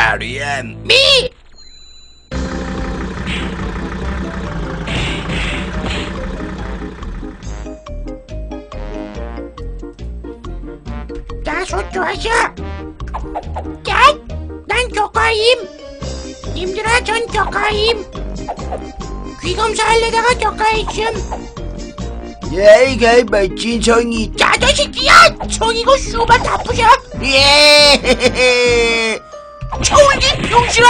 마리안 미! 자, 손 좋아하셔. 자, 난 조카임. 님들아, 전 조카임. 귀검사할래다가 조카했음. 얘가 멋진 성이 자, 저 새끼야! 성이고 슈발 다 부셔! 예 초울기 병신아!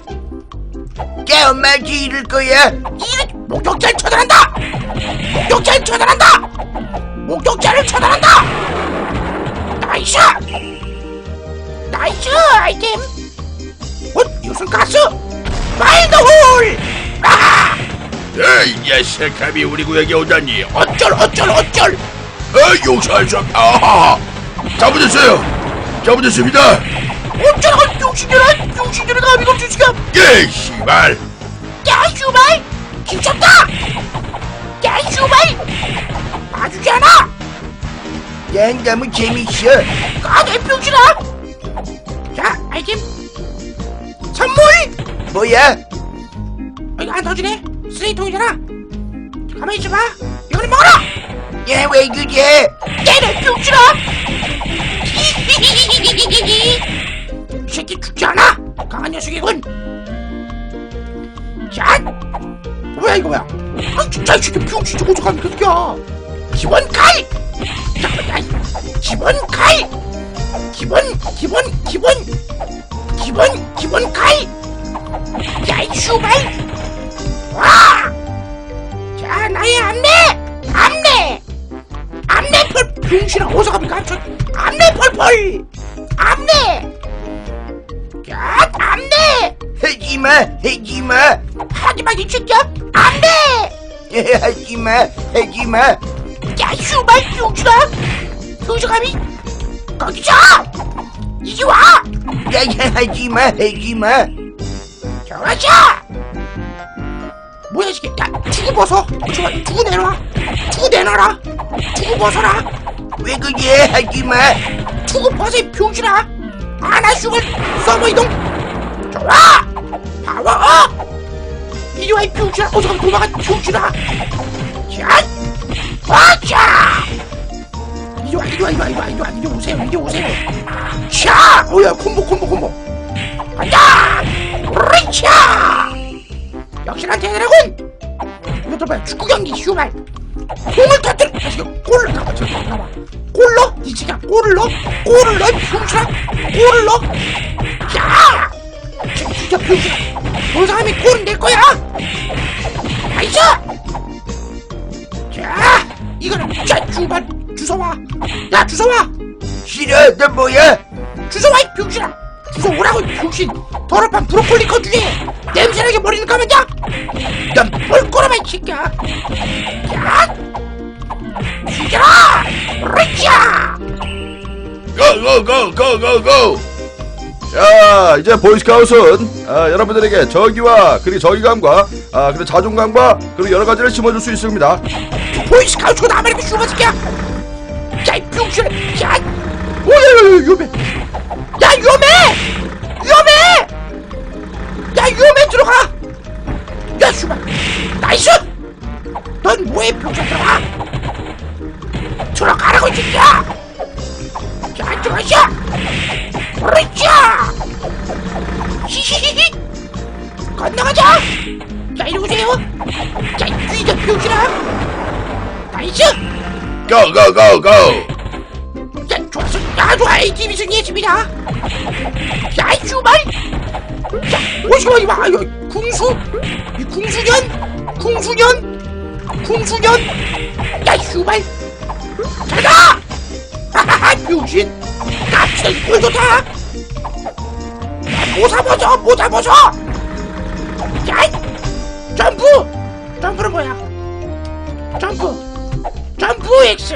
자 엄마한테 이럴 거야 이런 목격자를 처단한다! 목격자를 처단한다! 목격자를 처단한다! 나이스! 나이스 아이템! 이것은 가스! 마인드 홀! 아! 에이 녀석 감히 우리 구역에 오다니 어쩔! 용서할 수 없... 아하 잘못했습니다 어쩔! 병신들아 감이 없으시가! 예 씨발 야 슈발! 미쳤다! 야 슈발! 봐주지 않아! 난 너무 재밌어 까대 병신아! 자 아이템 선물! 뭐야? 이거 안 터지네? 쓰레기통이잖아? 가만히 있어봐 이거는 먹어라! 야 왜 그래? 때려 병신아! 이 새끼 죽지 않아! 강한 녀석이군! 자! 뭐야 아 진짜 이 새끼 병신 저거 어떡하면 그렇게야 기본 칼! 잠깐만 기본 칼! 야이 슈발! 와! 자 나의 암내 펄 병신아 어디서 갑니까? 저 암내 펄펄! 암내! 야 암내! 하지마 하지마 이 새끼야! 암내! 하지마 야 슈발 병신아! 어디서 감히 거기서! 이리 와! 야 하지마 좋아져! 뭐야 이 새끼 야 투구 벗어! 좋아 투구 내놔라 투구 벗어라! 왜 그래 하지마 투구 벗어 이 병신아! 아나 슈발 서버 이동! 좋아! 파워! 이리 와 이 병신아! 어서 가면 도망가 병신아! 자! 와자! 이리 오세요! 자! 오야 콤보! 간다! 으이차! 역시나 대단하군! 이것도 봐요 축구 경기 슈발! 공을 터뜨려! 골을 가봐 골 넣어? 이 새끼야 골을 넣어? 병신아! 골을 넣어? 야! 진짜 병신아! 그 사람이 골은 낼 거야! 나이스! 자! 이거는 자 슈발 주워와! 야 주워와! 싫어 너 뭐야? 주워와 이 병신아! 주워오라고 이 병신! 더럽한 브로콜리 거주에 냄새나게 머리는 감았냐? 넌 볼꼬라마 이 새끼야! 야! 죽여라! 으쌰! 고! 자 이제 보이스카웃은 여러분들에게 저기와 그리고 저기감과 그리고 자존감과 그리고 여러가지를 심어줄 수 있습니다. 보이스카우트가 나발이고 슈가 새끼야! 야 이 병신아! 야! 오야 위험해! 야 위험해 들어가! 야 슈발! 나이스! 넌 뭐해 병신 들어가라고 이 새끼야! 자 들어가셔! 그렇죠! 히히히히! 건너가자! 자 이리 오세요! 자 이제 병신아! 나이스! 고! 야 좋았어! 야 좋아! ATV 승리했습니다! 야 이 슈발! 야 오시마 이봐! 궁수! 이 궁수년! 야 슈발! 잘가! 하하하 병신! 납치다 꼴 좋다! 야 모사 벗어! 야 점프는 뭐야? 점프 X!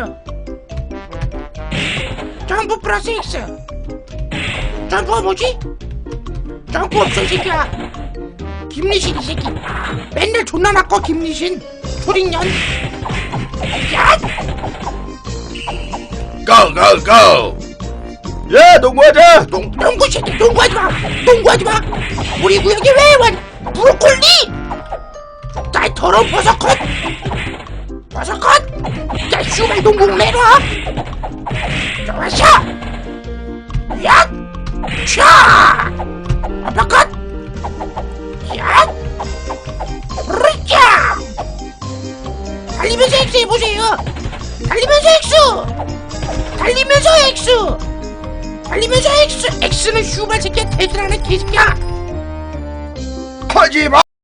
점프 플러스 X! 점프가 뭐지? 점프 없어 이 새끼야! 김리신 이 새끼! 맨날 존나 낚어 김리신! 초딩년! 야! 고! 야 농구하자. 농구 새끼 농구하지마 농구하지마. 우리 구역에 왜 왔니? 브로콜리. 자 더러운 버섯컷. 버섯컷. 야 슈발 농구 내놔. 좋았어. 야 차. 아파컷. 야 브리자. 달리면서 X 해보세요. 달리면서 X. 달리면서 X. 달리면서 X. X는 슈발 새끼야. 대들하는 개새끼야. 하지마.